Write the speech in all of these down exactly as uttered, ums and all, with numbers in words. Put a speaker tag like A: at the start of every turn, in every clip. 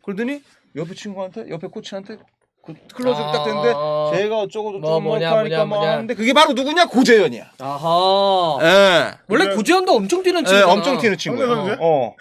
A: 그러더니 옆에 친구한테 옆에 코치한테 그 클로즈업 딱 됐는데
B: 아,
A: 제가 어쩌고
B: 뭐
A: 저쩌고
B: 뭐냐,
A: 뭐 하니까
B: 뭐냐,
A: 뭐
B: 뭐냐.
A: 하는데 그게 바로 누구냐? 고재현이야.
B: 아하.
A: 예.
B: 원래
C: 그래.
B: 고지현도 엄청 뛰는
A: 예,
B: 친구잖아.
A: 엄청 튀는 친구야.
C: 상대 선수야?
A: 어.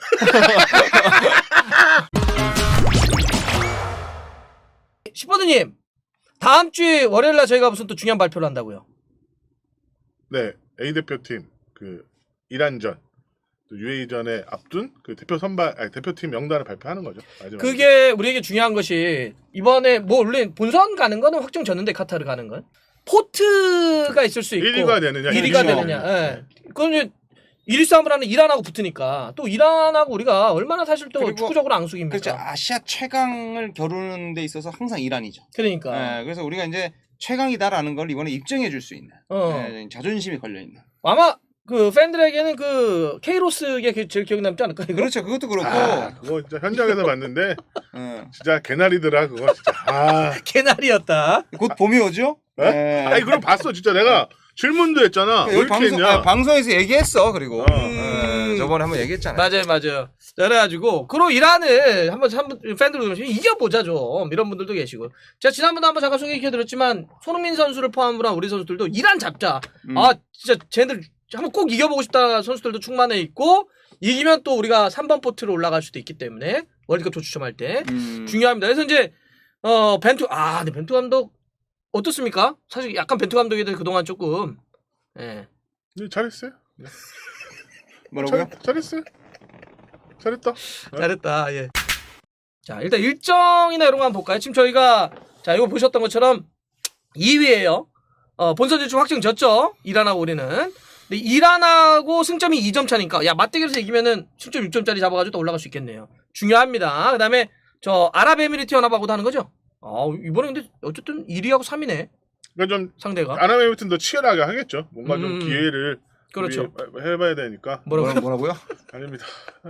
B: 시퍼드님 다음 주에 월요일날 저희가 무슨 또 중요한 발표를 한다고요?
C: 네, A 대표팀 그 이란전, 또 유에이전에 앞둔 그 대표 선발, 아니 대표팀 명단을 발표하는 거죠. 마지막에.
B: 그게 우리에게 중요한 것이 이번에 뭐 원래 본선 가는 거는 확정졌는데 카타르 가는 건 포트가 있을 수 있고
C: 일 위가 되느냐,
B: 일 위가
C: 일 위가
B: 되느냐.
C: 되느냐.
B: 예. 그건 이제 일 위 싸움을 하는 이란하고 붙으니까 또 이란하고 우리가 얼마나 사실 또
A: 그리고
B: 축구적으로 앙숙입니까?
A: 그렇죠. 아시아 최강을 겨루는 데 있어서 항상 이란이죠.
B: 그러니까
A: 예, 그래서 우리가 이제 최강이다라는 걸 이번에 입증해 줄 수 있는
B: 어.
A: 예, 자존심이 걸려 있는.
B: 아마 그 팬들에게는 그 케이로스가 제일 기억이 남지 않을까? 이거?
A: 그렇죠. 그것도 그렇고.
C: 아, 그거 진짜 현장에서 봤는데
A: 예.
C: 진짜 개나리더라 그거 진짜. 아,
B: 개나리였다.
A: 곧 봄이 오죠?
C: 에?
A: 예.
C: 아니 그럼 봤어 진짜 내가 질문도 했잖아. 왜
A: 여기
C: 이렇게
A: 방송,
C: 했냐?
A: 아, 방송에서 얘기했어. 그리고
C: 어.
A: 예, 저번에 한번 얘기했잖아요.
B: 맞아요, 맞아요. 그래가지고 그로 이란을 한번 한번 팬들 그러시면 이겨보자 좀 이런 분들도 계시고 제가 지난번에 한번 잠깐 소개해드렸지만 손흥민 선수를 포함으로 한 우리 선수들도 이란 잡자.
A: 음.
B: 아 진짜 쟤네들 한번 꼭 이겨보고 싶다 선수들도 충만해 있고 이기면 또 우리가 삼 번 포트로 올라갈 수도 있기 때문에 월드컵 조추첨할 때
A: 음.
B: 중요합니다. 그래서 이제 어 벤투 아 근데 벤투 감독 어떻습니까? 사실 약간 벤투 감독에 대해 그동안 조금 예.
C: 네, 잘했어요. 네.
A: 뭐라고요?
C: 잘, 잘했어요. 잘했다.
B: 잘했다. 예. 자, 일단 일정이나 이런 거 한번 볼까요? 지금 저희가 자, 이거 보셨던 것처럼 이 위예요. 어, 본선 진출 확정졌죠. 이란하고 우리는. 근데 이란하고 승점이 이 점 차니까 야, 맞대결에서 이기면은 승점 육 점짜리 잡아 가지고 또 올라갈 수 있겠네요. 중요합니다. 그다음에 저 아랍에미리트 연합하고도 하는 거죠. 아, 이번에 근데 어쨌든 일 위하고 삼 위네.
C: 그러니까 좀
B: 상대가.
C: 아랍에미리트는 더 치열하게 하겠죠. 뭔가
B: 음.
C: 좀 기회를
B: 그렇죠.
C: 우리 해봐야 되니까.
B: 뭐라고요?
A: 뭐라고요?
C: 아닙니다.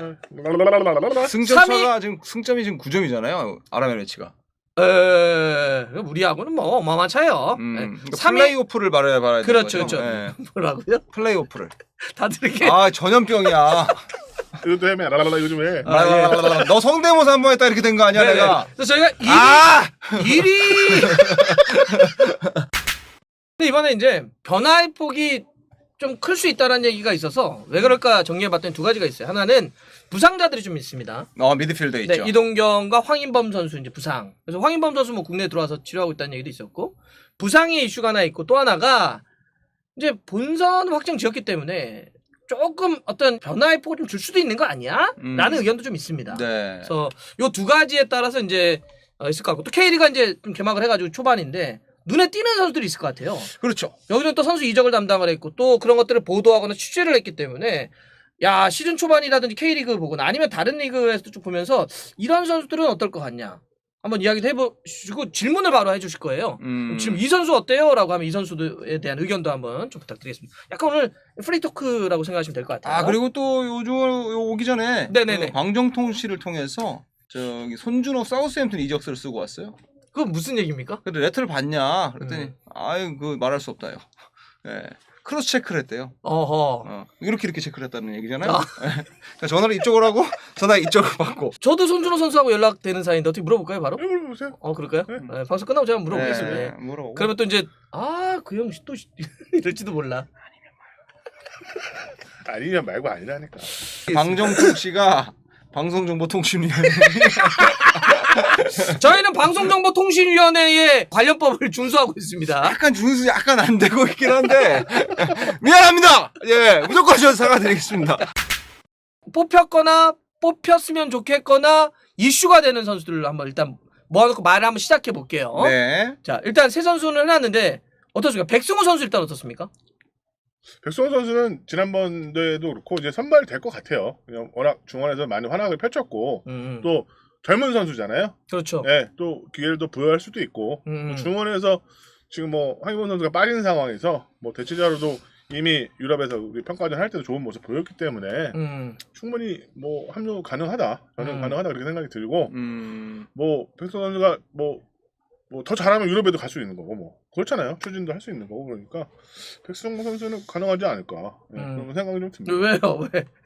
A: 승점
B: 삼 위?
A: 차가 지금 승점이 지금 구 점이잖아요. 아랍에미리츠가.
B: 에, 우리하고는 뭐 어마어마한 차예요.
A: 음.
B: 예.
A: 그러니까
B: 삼 위
A: 플레이오프를 말해야 말해야 되는
B: 그렇죠,
A: 거죠.
B: 그렇죠.
A: 예.
B: 뭐라고요?
A: 플레이오프를.
B: 다들 이렇게
A: 아 전염병이야.
C: 이것도 해매. 라라라 요즘 해.
B: 아, 예.
A: 아, 너 성대모사 한 번 했다 이렇게 된 거 아니야
B: 네네.
A: 내가.
B: 그래서 저희가 일 위,
A: 아
B: 일 위. 근데 이번에 이제 변화의 폭이 좀 클 수 있다는 얘기가 있어서 왜 그럴까 정리해봤더니 두 가지가 있어요. 하나는 부상자들이 좀 있습니다.
A: 어 미드필더
B: 네,
A: 있죠.
B: 이동경과 황인범 선수 이제 부상. 그래서 황인범 선수 뭐 국내에 들어와서 치료하고 있다는 얘기도 있었고 부상의 이슈가 하나 있고 또 하나가 이제 본선 확정 지었기 때문에 조금 어떤 변화의 폭을 좀 줄 수도 있는 거 아니야?
A: 음.
B: 라는 의견도 좀 있습니다.
A: 네.
B: 그래서 요 두 가지에 따라서 이제 어, 있을 것 같고 또 K리가 이제 좀 개막을 해가지고 초반인데 눈에 띄는 선수들이 있을 것 같아요.
A: 그렇죠.
B: 여기는 또 선수 이적을 담당을 했고 또 그런 것들을 보도하거나 취재를 했기 때문에 야 시즌 초반이라든지 K리그 보거나 아니면 다른 리그에서도 좀 보면서 이런 선수들은 어떨 것 같냐 한번 이야기도 해보시고 질문을 바로 해주실 거예요.
A: 음.
B: 지금 이 선수 어때요? 라고 하면 이 선수에 대한 의견도 한번 좀 부탁드리겠습니다. 약간 오늘 프리토크라고 생각하시면 될 것 같아요.
A: 아 그리고 또 요즘 오기 전에
B: 네네네.
A: 그 방정통씨를 통해서 저기 손준호 사우스햄튼 이적서를 쓰고 왔어요.
B: 그건 무슨 얘기입니까?
A: 근데 레터를 봤냐? 그랬더니
B: 음.
A: 아유 그 말할 수 없다요. 예. 크로스 체크를 했대요.
B: 어허.
A: 어, 이렇게 이렇게 체크를 했다는 얘기잖아요.
B: 아.
A: 그러니까 전화를 이쪽으로 하고 전화 이쪽으로 받고.
B: 저도 손준호 선수하고 연락되는 사이인데 어떻게 물어볼까요 바로?
C: 네, 물어보세요.
B: 어 그럴까요?
C: 네.
B: 네, 방송 끝나고 제가 물어보겠습니다.
A: 네,
B: 예.
A: 물어보고.
B: 그러면 또 이제 아 그 형 또 이럴지도 몰라.
C: 아니면 말고 아니라니까.
A: 방정통 씨가 방송정보통신위원회
B: 저희는 방송정보통신위원회의 관련법을 준수하고 있습니다.
A: 약간 준수 약간 안 되고 있긴 한데 미안합니다. 예, 무조건 저 사과드리겠습니다.
B: 뽑혔거나 뽑혔으면 좋겠거나 이슈가 되는 선수들을 한번 일단 모아놓고 말을 한번 시작해 볼게요.
A: 네.
B: 자 일단 세 선수는 해놨는데 어떻습니까? 백승호 선수 일단 어떻습니까?
C: 백승호 선수는 지난번에도 그렇고 이제 선발이 될 것 같아요. 그냥 워낙 중원에서 많이 활약을 펼쳤고
B: 음,
C: 또 젊은 선수잖아요.
B: 그렇죠.
C: 네, 또 기회를 또 부여할 수도 있고
B: 음.
C: 뭐 중원에서 지금 뭐 황희범 선수가 빠진 상황에서 뭐 대체자로도 이미 유럽에서 우리 평가전 할 때도 좋은 모습 보였기 때문에
B: 음,
C: 충분히 뭐 합류 가능하다. 저는
B: 음.
C: 가능하다 그렇게 생각이 들고
A: 음.
C: 뭐 백승호 선수가 뭐 뭐 더 잘하면 유럽에도 갈 수 있는 거고 뭐 그렇잖아요. 추진도 할 수 있는 거고 그러니까 백승호 선수는 가능하지 않을까 네,
B: 음.
C: 그런 생각이 좀 듭니다.
B: 왜요? 왜?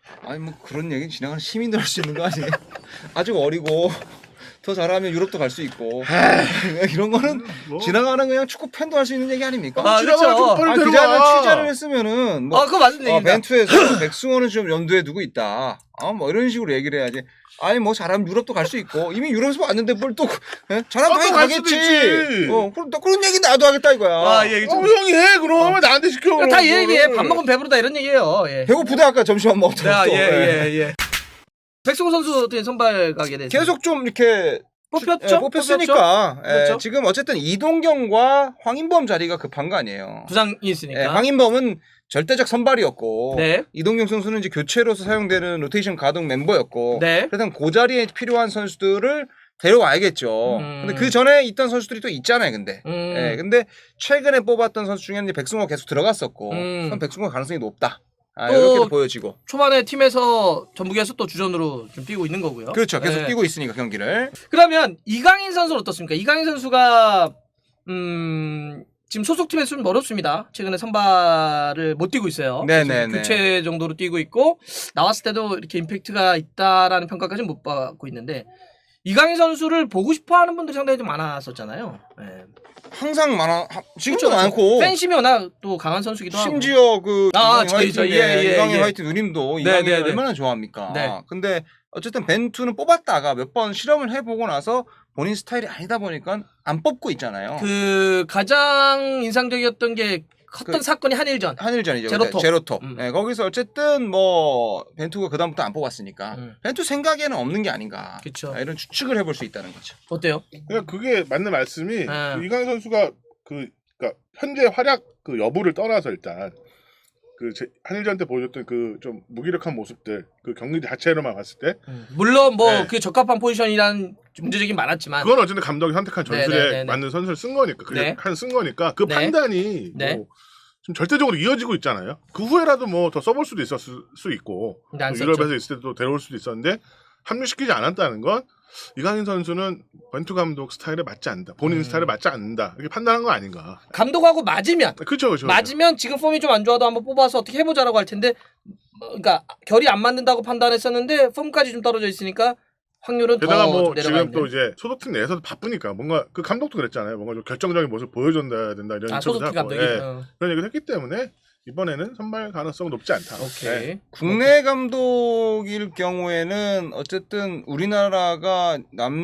A: 아니 뭐 그런 얘기 지나가는 시민들 할 수 있는 거 아니에요? 아직 어리고 더 잘하면 유럽도 갈 수 있고 이런 거는
C: 뭐.
A: 지나가는 그냥 축구 팬도 할 수 있는 얘기 아닙니까?
B: 아,
C: 지나가는
B: 그렇죠.
C: 좀 빨리
A: 아, 그
C: 데려와.
A: 자리에 취재를 했으면은 뭐
B: 아, 그거 맞는
A: 어,
B: 얘기입니다.
A: 벤투에서 백승호는 좀 염두에 두고 있다. 아, 뭐 이런 식으로 얘기를 해야지. 아니 뭐 잘하면 유럽도 갈 수 있고 이미 유럽에서 왔는데 뭘 또 예? 잘하면
C: 아,
A: 당연히
C: 또갈 수도
A: 가겠지.
C: 있지.
A: 어, 그럼 또 그런 얘기 나도 하겠다 이거야.
B: 아, 예,
C: 어, 형이 해 그럼 왜 나한테 시켜? 그럼
B: 다 이
C: 그거를.
B: 얘기에 밥 먹으면 배부르다 이런 얘기예요. 예.
A: 배고프다 아까 점심 안 먹었다고.
B: 아,
A: 또.
B: 예,
A: 예.
B: 예, 예. 백승호 선수 어떻게 선발 가게 됐어요?
A: 계속 좀 이렇게
B: 뽑혔죠?
A: 예, 뽑혔으니까 예,
B: 그렇죠?
A: 지금 어쨌든 이동경과 황인범 자리가 급한 거 아니에요.
B: 부상이 있으니까.
A: 예, 황인범은 절대적 선발이었고
B: 네.
A: 이동경 선수는 이제 교체로서 사용되는 로테이션 가동 멤버였고
B: 네.
A: 그래서 그 자리에 필요한 선수들을 데려와야겠죠.
B: 음.
A: 근데 그 전에 있던 선수들이 또 있잖아요, 근데.
B: 음.
A: 예, 근데 최근에 뽑았던 선수 중에는 이제 백승호가 계속 들어갔었고,
B: 음.
A: 그럼 백승호 가능성이 높다. 아,
B: 또
A: 이렇게도 보여지고.
B: 초반에 팀에서 전북에서 또 주전으로 좀 뛰고 있는 거고요.
A: 그렇죠. 계속
B: 네.
A: 뛰고 있으니까 경기를.
B: 그러면 이강인 선수는 어떻습니까? 이강인 선수가 음 지금 소속팀에서 좀 어렵습니다. 최근에 선발을 못 뛰고 있어요.
A: 네네네.
B: 지금 교체 정도로 뛰고 있고 나왔을 때도 이렇게 임팩트가 있다라는 평가까지는 못 받고 있는데 이강인 선수를 보고 싶어하는 분들이 상당히 좀 많았었잖아요. 네.
A: 항상 많아. 하- 지금도
B: 그렇죠.
A: 많고.
B: 팬심이 워낙 또 강한 선수기도 하고.
A: 심지어 그
B: 아,
A: 이강인
B: 저희,
A: 화이트,
B: 저희,
A: 예,
B: 예, 예,
A: 이강인
B: 예.
A: 화이트 누님도
B: 네,
A: 이강인을
B: 네, 네.
A: 얼마나 좋아합니까?
B: 네.
A: 근데 어쨌든 벤투는 뽑았다가 몇 번 실험을 해보고 나서 본인 스타일이 아니다 보니까 안 뽑고 있잖아요.
B: 그 가장 인상적이었던 게 컸던
A: 그-
B: 사건이 한일전.
A: 한일전이죠.
B: 제로톱.
A: 제로톱.
B: 음.
A: 네, 거기서 어쨌든 뭐 벤투가 그다음부터 안 뽑았으니까
B: 음.
A: 벤투 생각에는 없는 게 아닌가.
B: 그쵸.
A: 아, 이런 추측을 해볼 수 있다는 거죠.
B: 어때요?
C: 그러니까 그게 맞는 말씀이
B: 아.
C: 그 이강인 선수가 그 그러니까 현재 활약 그 여부를 떠나서 일단 그 제- 한일전 때 보여줬던 그 좀 무기력한 모습들 그 경기 자체로만 봤을 때
B: 물론 뭐
C: 네.
B: 그 적합한 포지션이란 문제적인 많았지만
C: 그건 어쨌든 감독이 선택한 전술에
B: 네, 네, 네, 네.
C: 맞는 선수를 쓴 거니까 그게
B: 네.
C: 한 쓴 거니까 그
B: 네.
C: 판단이
B: 네.
C: 뭐 좀 절대적으로 이어지고 있잖아요. 그 후에라도 뭐 더 써볼 수도 있었을 수 있고
B: 근데 안
C: 또
B: 썼죠.
C: 유럽에서 있을 때도 데려올 수도 있었는데 합류시키지 않았다는 건 이강인 선수는 벤투 감독 스타일에 맞지 않는다. 본인
B: 음.
C: 스타일에 맞지 않는다. 이렇게 판단한 거 아닌가.
B: 감독하고 맞으면
C: 그렇죠, 그렇죠.
B: 맞으면 지금 폼이 좀 안 좋아도 한번 뽑아서 어떻게 해보자라고 할 텐데 뭐, 그러니까 결이 안 맞는다고 판단했었는데 폼까지 좀 떨어져 있으니까 확률은
C: 게다가
B: 더
C: 뭐
B: 내려가
C: 지금
B: 있는.
C: 또 이제 소속팀 내에서도 바쁘니까 뭔가 그 감독도 그랬잖아요. 뭔가 좀 결정적인 모습 보여줘야 된다 이런
B: 아
C: 인터뷰도
B: 소속팀
C: 하고,
B: 감독이.
C: 예.
B: 어.
C: 그런 얘기를 했기 때문에 이번에는 선발 가능성은 높지 않다.
B: 오케이.
C: 예.
A: 국내 감독일 경우에는 어쨌든 우리나라가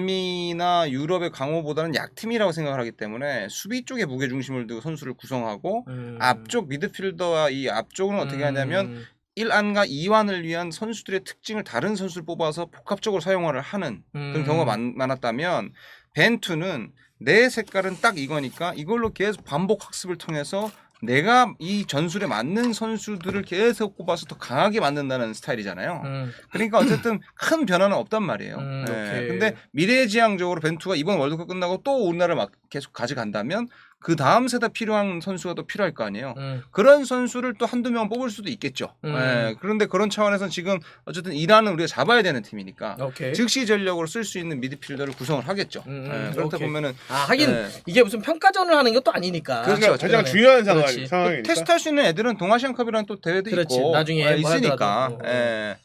A: 남미나 유럽의 강호보다는 약팀이라고 생각을 하기 때문에 수비 쪽에 무게 중심을 두고 선수를 구성하고
B: 음.
A: 앞쪽 미드필더와 이 앞쪽은 어떻게 하냐면
B: 음.
A: 일 안과 이 완을 위한 선수들의 특징을 다른 선수를 뽑아서 복합적으로 사용을 하는 그런
B: 음.
A: 경우가 많, 많았다면 벤투는 내 색깔은 딱 이거니까 이걸로 계속 반복 학습을 통해서 내가 이 전술에 맞는 선수들을 계속 뽑아서 더 강하게 만든다는 스타일이잖아요.
B: 음.
A: 그러니까 어쨌든 큰 변화는 없단 말이에요.
B: 음,
A: 예.
B: 오케이.
A: 근데 미래지향적으로 벤투가 이번 월드컵 끝나고 또 우리나라를 막 계속 가져간다면 그 다음 세대 필요한 선수가 또 필요할 거 아니에요.
B: 음.
A: 그런 선수를 또 한두 명 뽑을 수도 있겠죠.
B: 음.
A: 예. 그런데 그런 차원에서 지금 어쨌든 이란은 우리가 잡아야 되는 팀이니까
B: 오케이.
A: 즉시 전력으로 쓸 수 있는 미드필더를 구성을 하겠죠.
B: 음,
A: 예. 그렇다
B: 오케이.
A: 보면은
B: 아 하긴
A: 예.
B: 이게 무슨 평가전을 하는 것도 아니니까.
A: 그렇죠.
C: 그러니까 가장
B: 그러네.
C: 중요한 상황,
B: 그렇지.
C: 상황이니까.
A: 테스트할 수 있는 애들은 동아시안컵이라는 또 대회도
B: 그렇지.
A: 있고
B: 나중에
A: 예,
B: 뭐
A: 있으니까.
B: 하더라도.
A: 예.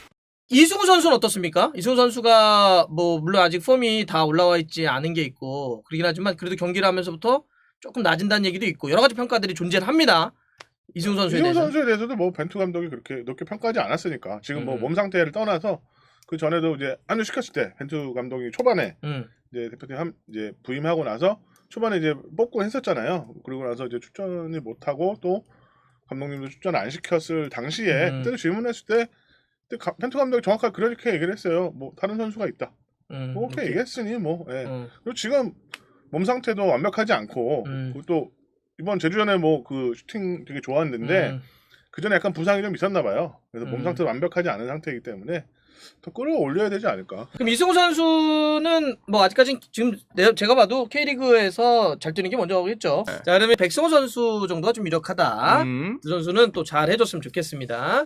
B: 이승우 선수는 어떻습니까? 이승우 선수가 뭐 물론 아직 폼이 다 올라와 있지 않은 게 있고 그러긴 하지만 그래도 경기를 하면서부터 조금 낮은다는 얘기도 있고 여러 가지 평가들이 존재를 합니다. 이승우 선수에
C: 이승우
B: 대해서.
C: 선수에 대해서도 뭐 벤투 감독이 그렇게 높게 평가하지 않았으니까 지금 뭐
B: 음.
C: 몸 상태를 떠나서 그 전에도 이제 합류 시켰을 때 벤투 감독이 초반에
B: 음.
C: 이제 대표팀 함, 이제 부임하고 나서 초반에 이제 뽑고 했었잖아요. 그리고 나서 이제 출전을 못하고 또 감독님도 출전 안 시켰을 당시에
B: 음.
C: 그때도 질문했을 때 그때 가, 벤투 감독이 정확하게 그렇게 얘기를 했어요. 뭐 다른 선수가 있다.
B: 음.
C: 뭐 그렇게 얘기했으니 뭐. 예.
B: 음.
C: 그리고 지금 몸 상태도 완벽하지 않고
B: 음.
C: 그리고 또 이번 제주전에 뭐 그 슈팅 되게 좋았는데
B: 음.
C: 그 전에 약간 부상이 좀 있었나 봐요. 그래서
B: 음.
C: 몸 상태도 완벽하지 않은 상태이기 때문에 더 끌어올려야 되지 않을까.
B: 그럼 이승우 선수는 뭐 아직까지 지금 내- 제가 봐도 K리그에서 잘 뛰는 게 먼저겠죠. 자 그러면 백승호 선수 정도가 좀 유력하다.
A: 음.
B: 그 선수는 또 잘 해줬으면 좋겠습니다.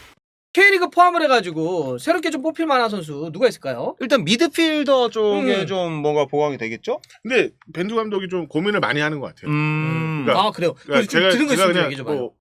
B: K리그 포함을 해가지고 새롭게 좀 뽑힐 만한 선수 누가 있을까요?
A: 일단 미드필더 쪽에
B: 음.
A: 좀 뭔가 보강이 되겠죠?
C: 근데 벤투 감독이 좀 고민을 많이 하는 것 같아요.
A: 음.
C: 그러니까-
B: 아 그래요.
C: 그러니까
B: 좀 들은 거
C: 제가
B: 있으면 좀
C: 그냥
B: 얘기 좀 해요.
C: 뭐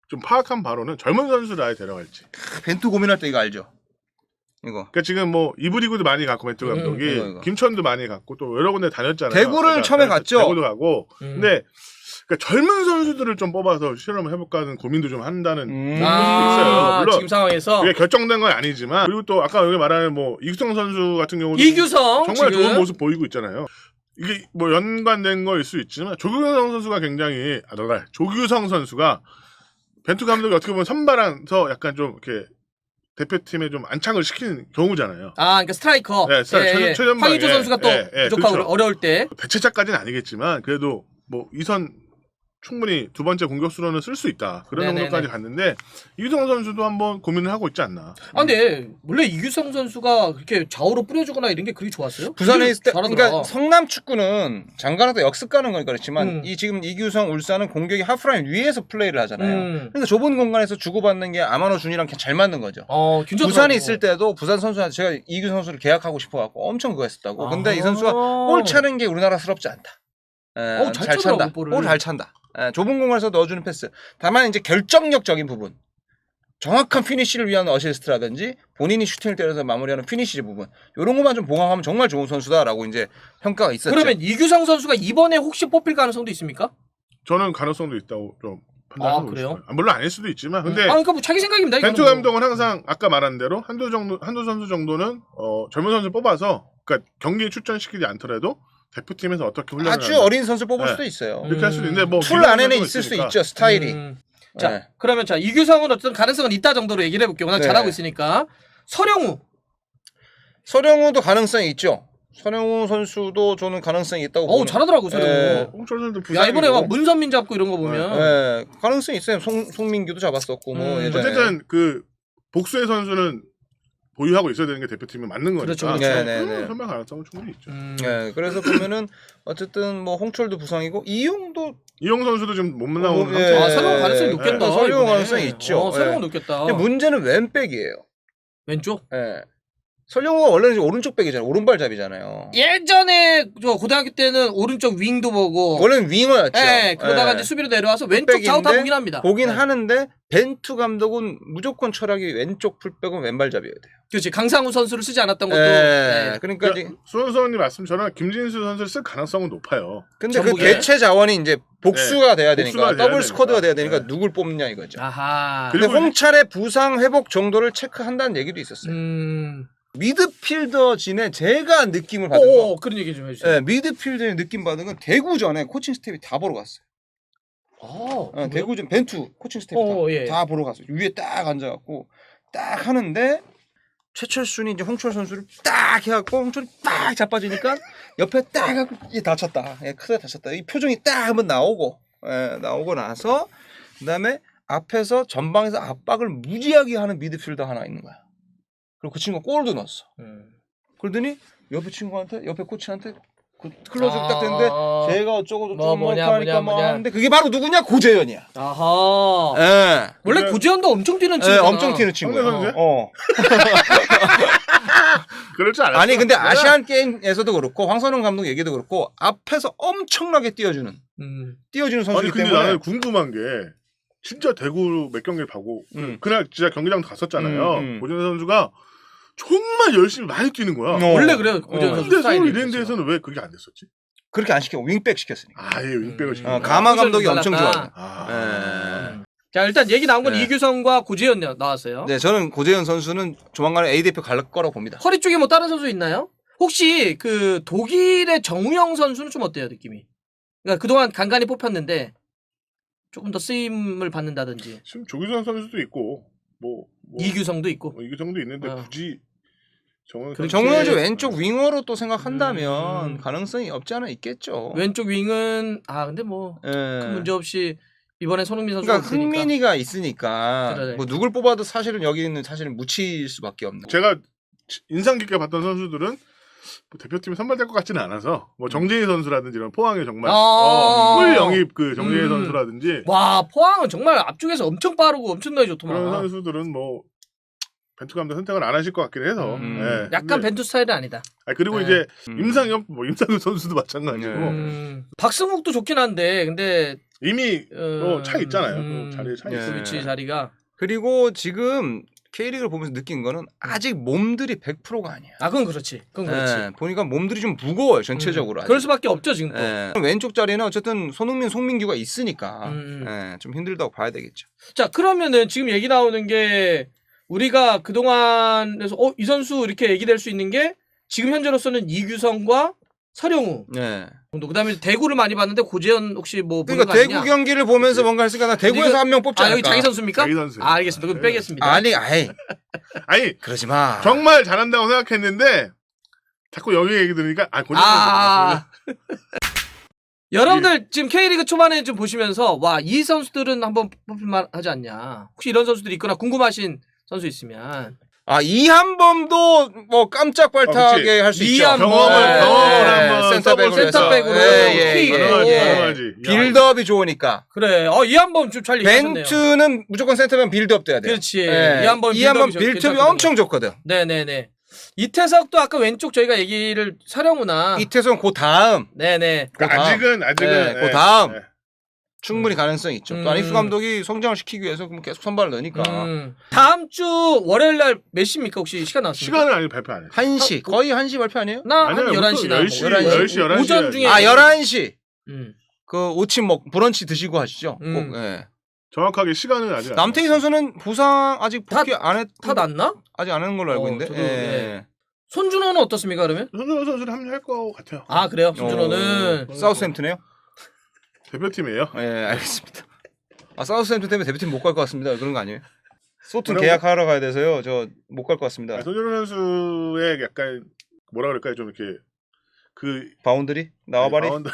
C: 좀 파악한 바로는 젊은 선수를 아예 데려갈지.
A: 벤투 고민할 때 이거 알죠? 이거.
C: 그러니까 지금 뭐 이브리그도 많이 갔고 벤투 감독이
A: 음, 이거, 이거.
C: 김천도 많이 갔고 또 여러 군데 다녔잖아요.
A: 대구를
C: 그러니까
A: 처음에 갔죠?
C: 대구도 가고.
B: 음.
C: 근데 그러니까 젊은 선수들을 좀 뽑아서 실험을 해볼까 하는 고민도 좀 한다는
A: 음.
C: 부분도
B: 아,
C: 있어요. 물론
B: 지금 상황에서
C: 그게 결정된 건 아니지만 그리고 또 아까 여기 말하는 뭐 이규성 선수 같은 경우도
B: 이규성
C: 정말
B: 지금.
C: 좋은 모습 보이고 있잖아요. 이게 뭐 연관된 거일 수 있지만 조규성 선수가 굉장히 아 너가 조규성 선수가 벤투 감독이 어떻게 보면 선발한서 약간 좀 이렇게 대표팀에 좀 안착을 시키는 경우잖아요.
B: 아, 그러니까 스트라이커.
C: 네, 스트라이커, 최전- 최전방에.
B: 황의조 선수가 또
C: 예, 예,
B: 부족하고
C: 그렇죠.
B: 어려울 때.
C: 대체자까지는 아니겠지만 그래도 뭐 이선 충분히 두 번째 공격수로는 쓸 수 있다. 그런
B: 네네네.
C: 정도까지 갔는데 이규성 선수도 한번 고민을 하고 있지 않나.
B: 아, 근데 원래 이규성 선수가 그렇게 좌우로 뿌려주거나 이런 게 그렇게 좋았어요?
A: 부산에
B: 되게
A: 있을 때,
B: 잘하더라.
A: 그러니까 성남 축구는 장가나도 역습 가는 거니까 그렇지만
B: 음.
A: 이 지금 이규성 울산은 공격이 하프라인 위에서 플레이를 하잖아요.
B: 음.
A: 그러니까 좁은 공간에서 주고받는 게 아마노 준이랑 잘 맞는 거죠.
B: 어, 괜찮더라고.
A: 부산에 있을 때도 부산 선수한테 제가 이규성 선수를 계약하고 싶어갖고 엄청 그거 했었다고. 근데
B: 아.
A: 이 선수가 볼 차는 게 우리나라스럽지 않다. 에,
B: 어우, 잘
A: 잘
B: 차더라고,
A: 찬다.
B: 볼을.
A: 볼 잘 찬다. 에, 좁은 공간에서 넣어주는 패스. 다만 이제 결정력적인 부분. 정확한 피니쉬를 위한 어시스트라든지 본인이 슈팅을 때려서 마무리하는 피니쉬 부분. 이런 것만 좀 보강하면 정말 좋은 선수다라고 이제 평가가 있었죠.
B: 그러면 이규성 선수가 이번에 혹시 뽑힐 가능성도 있습니까?
C: 저는 가능성도 있다고 좀 판단하고
B: 아, 그래요?
C: 있어요. 아, 물론 아닐 수도 있지만 근데
B: 아, 그러니까 뭐 자기 생각입니다.
C: 벤투
B: 이거는 뭐.
C: 감독은 항상 아까 말한 대로 한두 정도 한두 선수 정도는 어, 젊은 선수 뽑아서 그러니까 경기에 출전시키지 않더라도 대표팀에서 어떻게 훈련을
A: 아주
C: 하는가.
A: 어린 선수 뽑을
C: 네.
A: 수도 있어요.
C: 이렇게 할 수도 있는데 뭐
A: 툴
C: 기존
A: 안에는
C: 선수가
A: 있을 수
C: 있으니까.
A: 있죠. 스타일이.
B: 음. 자,
A: 네.
B: 그러면 자 이규성은 어떤 가능성은 있다 정도로 얘기를 해볼게요. 워낙
A: 네.
B: 잘하고 있으니까. 서령우.
A: 서령우도 가능성이 있죠. 서령우 선수도 저는 가능성이 있다고
B: 어우
A: 보는.
B: 잘하더라고 서령우.
A: 예.
C: 홍철 선수도
B: 야
C: 부상이고.
B: 이번에 막 문선민 잡고 이런 거 보면
A: 예, 가능성이 있어요. 송, 송민규도 잡았었고 뭐
B: 음.
A: 예전에.
C: 어쨌든 그 복수의 선수는 보유하고 있어야 되는 게 대표팀에 맞는 거니까.
B: 그렇죠, 그렇죠.
A: 네, 네, 네.
C: 선발 가능성은 충분히 있죠.
B: 음.
A: 예, 그래서 보면은 어쨌든 뭐 홍철도 부상이고 이용도
C: 이용 선수도 지금 못 나오는
A: 어, 예.
C: 상태.
B: 아 서령우 가능성이 높겠다.
A: 예, 서령우
B: 이번에.
A: 가능성이 있죠.
B: 어, 서령우
A: 예.
B: 높겠다.
A: 근데 문제는 왼백이에요.
B: 왼쪽.
A: 예. 서령우가 원래는 이제 오른쪽 백이잖아요. 오른발잡이잖아요.
B: 예전에 저 고등학교 때는 오른쪽 윙도 보고.
A: 원래는 윙어였죠.
B: 예, 그러다가
A: 예.
B: 이제 수비로 내려와서 왼쪽 좌우 다
A: 풀백인데
B: 보긴 합니다.
A: 보긴
B: 네.
A: 하는데 벤투 감독은 무조건 철학이 왼쪽 풀백은 왼발잡이어야 돼요.
B: 그렇지. 강상우 선수를 쓰지 않았던 것도.
A: 예.
B: 네.
A: 그러니까 이제
C: 그러니까 수원선님 말씀처럼 김진수 선수를 쓸 가능성은 높아요.
A: 근데 그
B: 전북에?
A: 대체 자원이 이제 복수가 돼야 되니까
C: 복수가 돼야
A: 더블 스쿼드가 돼야 되니까
C: 네.
A: 누굴 뽑느냐 이거죠.
B: 아하.
A: 근데
C: 그리고
A: 홍찰의 부상 회복 정도를 체크한다는 얘기도 있었어요.
B: 음.
A: 미드필더진의 제가 느낌을 받은 거.
B: 오, 그런 얘기 좀 해주세요.
A: 네, 미드필더의 느낌 받은 건 대구전에 코칭 스텝이 다 보러 갔어요.
B: 아,
A: 어, 대구전 벤투 코칭 스텝이
B: 어,
A: 다,
B: 예.
A: 다 보러 갔어요. 위에 딱 앉아갖고 딱 하는데 최철순이 이제 홍철 선수를 딱 해갖고 홍철이 딱 자빠지니까 옆에 딱 해갖고 이 다쳤다. 예, 크게 다쳤다. 이 표정이 딱 한번 나오고 예, 나오고 나서 그다음에 앞에서 전방에서 압박을 무지하게 하는 미드필더 하나 있는 거야. 그리고 그 친구가 골도 넣었어.
B: 음.
A: 그러더니 옆에 친구한테 옆에 코치한테 그 클로즈
B: 아.
A: 딱 됐는데 제가 어쩌고 저쩌고
B: 뭐
A: 뭐
B: 뭐냐,
A: 하니까
B: 뭐냐,
A: 뭐
B: 뭐냐.
A: 하는데 그게 바로 누구냐 고재현이야.
B: 아하.
A: 예.
B: 원래
C: 근데-
B: 고지현도 엄청 뛰는
A: 예,
B: 친구잖아.
A: 엄청 튀는 친구야.
C: 황대 선수야?
A: 어.
C: 그럴 줄 알았어.
A: 아니 근데 아시안 게임에서도 그렇고 황선홍 감독 얘기도 그렇고 앞에서 엄청나게 뛰어주는
B: 음.
A: 뛰어주는
C: 아니
A: 선수이기
C: 근데
A: 때문에
C: 나는 궁금한 게 진짜 대구 몇 경기를 보고
A: 음.
C: 그날 진짜 경기장도 갔었잖아요.
A: 음, 음.
C: 고진수 선수가 정말 열심히 많이 뛰는 거야.
A: 어.
B: 원래 그래요. 고지현
A: 어.
B: 선수
C: 근데
B: 스타일이.
C: 서울 이랜드에서는 왜 그게 안 됐었지?
A: 그렇게 안 시키고 윙백 시켰으니까.
C: 아예 윙백을
B: 음.
C: 시킨
A: 어,
C: 거야.
A: 가마 감독이
B: 달랐다.
A: 엄청 좋아요.
C: 아.
A: 예.
B: 자 일단 얘기 나온 건
A: 네.
B: 이규성과 고지현 나왔어요.
A: 네, 저는 고재현 선수는 조만간에 A 대표 갈 거라고 봅니다.
B: 허리 쪽에 뭐 다른 선수 있나요? 혹시 그 독일의 정우영 선수는 좀 어때요 느낌이? 그러니까 그동안 간간히 뽑혔는데 조금 더 쓰임을 받는다든지
C: 지금 조규선 선수도 있고 뭐, 뭐
B: 이규성도 있고.
C: 뭐 이규성도 있는데
B: 어.
C: 굳이 정원
B: 그렇지.
A: 정우영이 왼쪽 윙어로 또 생각한다면
B: 음.
A: 가능성이 없지 않아 있겠죠.
B: 왼쪽 윙은 아 근데 뭐
A: 예.
B: 큰 문제 없이 이번에 손흥민 선수가
A: 그러니까
B: 있으니까.
A: 흥민이가 있으니까
B: 그래.
A: 뭐 누굴 뽑아도 사실은 여기 있는 사실은 묻힐 수밖에 없는.
C: 제가 인상 깊게 봤던 선수들은 뭐 대표팀에 선발될 것 같지는 않아서 뭐 정재희 선수라든지 이런 포항의 정말
B: 아.
C: 어, 꿀 영입 그 정재희
B: 음.
C: 선수라든지
B: 와 포항은 정말 앞쪽에서 엄청 빠르고 엄청나게
C: 그런
B: 좋더만.
C: 선수들은 뭐 벤투 감독 선택을 안 하실 것 같긴 해서
A: 음.
C: 예.
B: 약간
C: 근데-
B: 벤투 스타일은 아니다.
C: 아, 그리고
B: 네.
C: 이제
A: 음.
C: 임상엽 뭐 임상엽 선수도 마찬가지고
A: 네.
B: 음, 박승욱도 좋긴 한데 근데
C: 이미 또
B: 어,
C: 차 있잖아요.
B: 음,
C: 또 자리에 차
A: 예.
C: 있어요.
B: 그 위치 자리가.
A: 그리고 지금 K리그를 보면서 느낀 거는 아직 몸들이 백 퍼센트가 아니야.
B: 아 그건 그렇지. 그건 그렇지.
A: 예, 보니까 몸들이 좀 무거워요 전체적으로.
B: 음,
A: 아직.
B: 그럴 수밖에 없죠 지금 또.
A: 예. 왼쪽 자리는 어쨌든 손흥민, 송민규가 있으니까
B: 음.
A: 예, 좀 힘들다고 봐야 되겠죠.
B: 자 그러면은 지금 얘기 나오는 게 우리가 그동안에서 어, 이 선수 이렇게 얘기될 수 있는 게 지금 현재로서는 이규성과 서령우
A: 네.
B: 정도. 그다음에 대구를 많이 봤는데 고재현 혹시 뭐 보는
A: 그러니까
B: 거 아니냐?
A: 대구 경기를 보면서 뭔가 했으니까 나 대구에서
B: 이거-
A: 한 명 뽑지
B: 아
A: 않을까.
B: 여기 자기 선수입니까?
C: 자기 선수.
B: 아 알겠습니다. 그럼
C: 네.
B: 빼겠습니다.
A: 아니, 아이
C: 아니
A: 그러지 마.
C: 정말 잘한다고 생각했는데 자꾸 여기 얘기 들으니까 아 고정.
B: 아. 여러분들 지금 K리그 초반에 좀 보시면서 와 이 선수들은 한번 뽑힐만 하지 않냐. 혹시 이런 선수들이 있거나 궁금하신 선수 있으면
A: 아 이한범도 뭐 깜짝 발탁하게 할 수 있죠.
B: 이한범.
C: 경험을
B: 네.
C: 경험을 한번
A: 센터백으로
C: 써볼
A: 해서.
B: 센터백으로
A: 예, 예,
B: 킥.
A: 예,
C: 가능하지,
A: 예.
C: 가능하지.
A: 빌드업이 좋으니까.
B: 그래. 어 이한범 좀 잘 얘기하셨네요.
A: 벤투는 무조건 센터백 빌드업 돼야 돼요.
B: 그렇지.
A: 예.
B: 이한범
A: 이한범
B: 빌드업이
A: 빌드업이
B: 괜찮거든요.
A: 엄청 좋거든.
B: 네네네. 이태석도 아까 왼쪽 저희가 얘기를 서령우나
A: 이태성 그 다음
B: 네네.
A: 그 다음.
C: 아직은 아직은
A: 네,
C: 예,
A: 그 다음.
C: 예.
A: 충분히 가능성이 있죠.
B: 음.
A: 또 안익수 감독이 성장을 시키기 위해서 그럼 계속 선발을 넣으니까
B: 음. 다음 주 월요일 날 몇 시입니까? 혹시 시간 나왔습니까?
C: 시간을 아직 발표 안 해.
A: 한 시 거의 한 시 발표 아니에요?
B: 나한
C: 아니요,
B: 열한 시나
C: 열 시,
B: 뭐
A: 열
C: 시, 열한 시
B: 오전
C: 해야지.
B: 중에
A: 아 열한 시.
B: 음.
A: 그 오침 먹 브런치 드시고 하시죠.
B: 음.
A: 꼭. 예.
C: 정확하게 시간은 아직 안
A: 남태희
C: 나왔어요.
A: 선수는 부상 아직 복귀 안 했.
B: 다 났나?
A: 아직 안 하는 걸로 알고
B: 어,
A: 있는데.
B: 저도,
A: 예.
B: 예. 손준호는 어떻습니까 그러면?
C: 손준호 선수는 합류할 것 같아요.
B: 아 그래요? 손준호는
A: 어, 사우스햄튼이에요?
C: 대표팀이에요.
A: 예, 알겠습니다. 아 사우스햄튼 때문에 대표팀 못 갈 것 같습니다. 그런 거 아니에요? 소튼
C: 뭐라고?
A: 계약하러 가야 돼서요. 저 못 갈 것 같습니다.
C: 아, 손준호 선수의 약간 뭐라 그럴까요? 좀 이렇게 그
A: 바운드리 나와바리.
C: 바운드-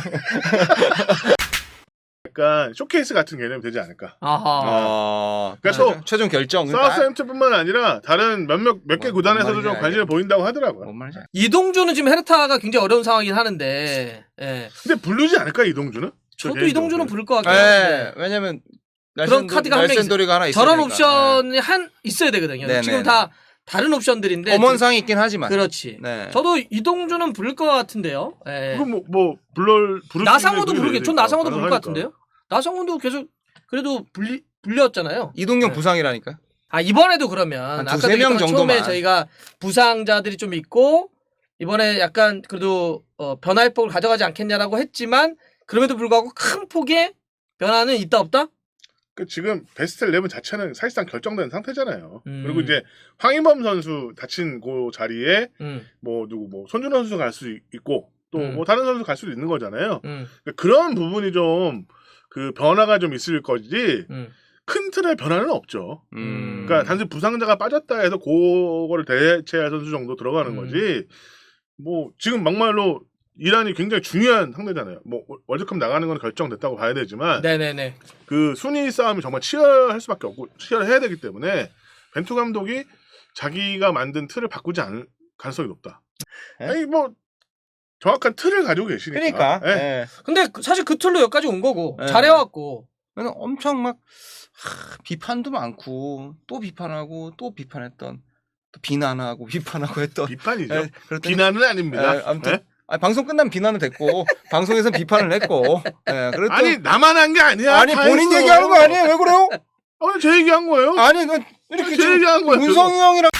C: 약간 쇼케이스 같은 개념이 되지 않을까.
B: 아하.
A: 아,
C: 그래서
A: 최종- 최종 결정. 그러니까
C: 사우스햄튼뿐만 아니라 다른 몇몇 몇 개
A: 뭐,
C: 구단에서도
A: 뭔
C: 좀
A: 말인지
C: 관심을 보인다고 하더라고요.
A: 뭔 말인지.
B: 이동주는 지금 헤르타가 굉장히 어려운 상황이긴 하는데 예.
C: 근데 부르지 않을까 이동주는?
B: 저도
C: 개인적으로.
B: 이동주는 부를 것 같긴
A: 예,
B: 한데
A: 왜냐면
B: 그런 카드가 한 명
A: 날쌘돌이가 하나 있어야
B: 저런
A: 되니까.
B: 옵션이 한 있어야 되거든요.
A: 네네네.
B: 지금 다 다른 옵션들인데
A: 예. 엄원상이 있긴 하지만.
B: 그렇지.
A: 네.
B: 저도 이동주는 부를 것 같은데요. 예.
C: 그럼 뭐, 뭐 불러 부를
B: 나상호도
C: 수 있는
B: 부르겠. 전
C: 분이
B: 나상호도 부를 것
C: 가능하니까.
B: 같은데요. 나상호도 계속 그래도 불리 불렸잖아요.
A: 이동경
B: 네.
A: 부상이라니까.
B: 아 이번에도 그러면
A: 한
B: 아까도
A: 두세 명
B: 얘기했던
A: 정도만.
B: 처음에 저희가 부상자들이 좀 있고 이번에 약간 그래도 어, 변화의법을 가져가지 않겠냐라고 했지만 그럼에도 불구하고 큰 폭의 변화는 있다 없다?
C: 그 지금 베스트 십일 자체는 사실상 결정된 상태잖아요.
B: 음.
C: 그리고 이제 황인범 선수 다친 그 자리에
B: 음,
C: 뭐 누구 뭐 손준호 선수 갈 수 있고 또 뭐
B: 음.
C: 다른 선수 갈 수도 있는 거잖아요.
B: 음,
C: 그러니까 그런 부분이 좀 그 변화가 좀 있을 거지
B: 음.
C: 큰 틀의 변화는 없죠.
A: 음.
C: 그러니까 단순히 부상자가 빠졌다 해서 그거를 대체할 선수 정도 들어가는
B: 음.
C: 거지. 뭐 지금 막말로 이란이 굉장히 중요한 상대잖아요. 뭐 월드컵 나가는 건 결정됐다고 봐야 되지만
B: 네네네.
C: 그 순위 싸움이 정말 치열할 수밖에 없고 치열해야 되기 때문에 벤투 감독이 자기가 만든 틀을 바꾸지 않을 가능성이 높다.
A: 에?
C: 아니 뭐 정확한 틀을 가지고 계시니까.
A: 그러니까.
C: 예.
A: 예.
B: 근데 그- 사실 그 틀로 여기까지 온 거고
A: 네.
B: 잘해왔고
A: 그래서 엄청 막 하, 비판도 많고 또 비판하고 또 비판했던 또 비난하고 비판하고 했던
C: 비판이죠.
A: 예, 그랬더니-
C: 비난은 아닙니다.
A: 예, 아무튼
C: 예?
A: 아니, 방송 끝나면 비난은 됐고 방송에서 비판을 했고 예, 그래도
C: 아니 나만 한 게 아니야.
A: 아니
C: 다
A: 본인
C: 했어.
A: 얘기하는 거 아니에요? 왜 그래요?
C: 아니 제 얘기한 거예요.
A: 아니 그 이렇게
C: 제
A: 지금
C: 얘기한 거예요.
A: 문성희 형이랑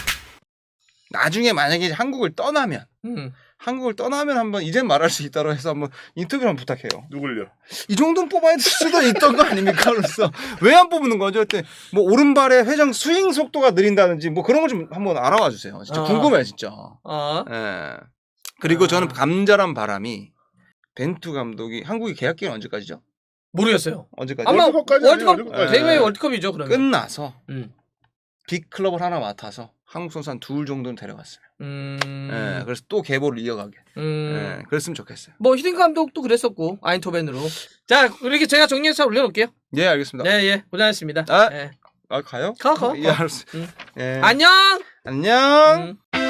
A: 나중에 만약에 한국을 떠나면
B: 음.
A: 한국을 떠나면 한번 이젠 말할 수 있다고 해서 한번 인터뷰를 한번 부탁해요.
C: 누굴요?
A: 이 정도는 뽑아야 될 수도 있던 거 아닙니까? 그래서 왜 안 뽑는 거죠? 그때 뭐 오른발의 회전 스윙 속도가 느린다든지 뭐 그런 거 좀 한번 알아와 주세요. 진짜
B: 아.
A: 궁금해 진짜.
B: 아.
A: 예. 그리고
B: 아.
A: 저는 감자란 바람이 벤투 감독이 한국이 계약 기간 언제까지죠?
B: 모르겠어요.
A: 언제까지?
B: 아마
C: 월드컵까지
B: 월드컵
C: 아니에요, 월드컵까지.
B: 대회
A: 예.
B: 월드컵이죠 그러면.
A: 끝나서
B: 음.
A: 빅 클럽을 하나 맡아서 한국 선수 한 둘 정도는 데려갔어요.
B: 음.
A: 예. 그래서 또 계보를 이어가게.
B: 음.
A: 예. 그랬으면 좋겠어요.
B: 뭐 히딩크 감독도 그랬었고 아인토벤으로. 자 이렇게 제가 정리해서 올려놓을게요.
A: 예, 알겠습니다.
B: 네, 예, 고생하셨습니다.
A: 아.
B: 예.
A: 아, 가요?
B: 가, 가,
A: 예,
B: 가.
A: 알았어.
B: 응.
A: 예.
B: 안녕.
A: 안녕.
B: 음.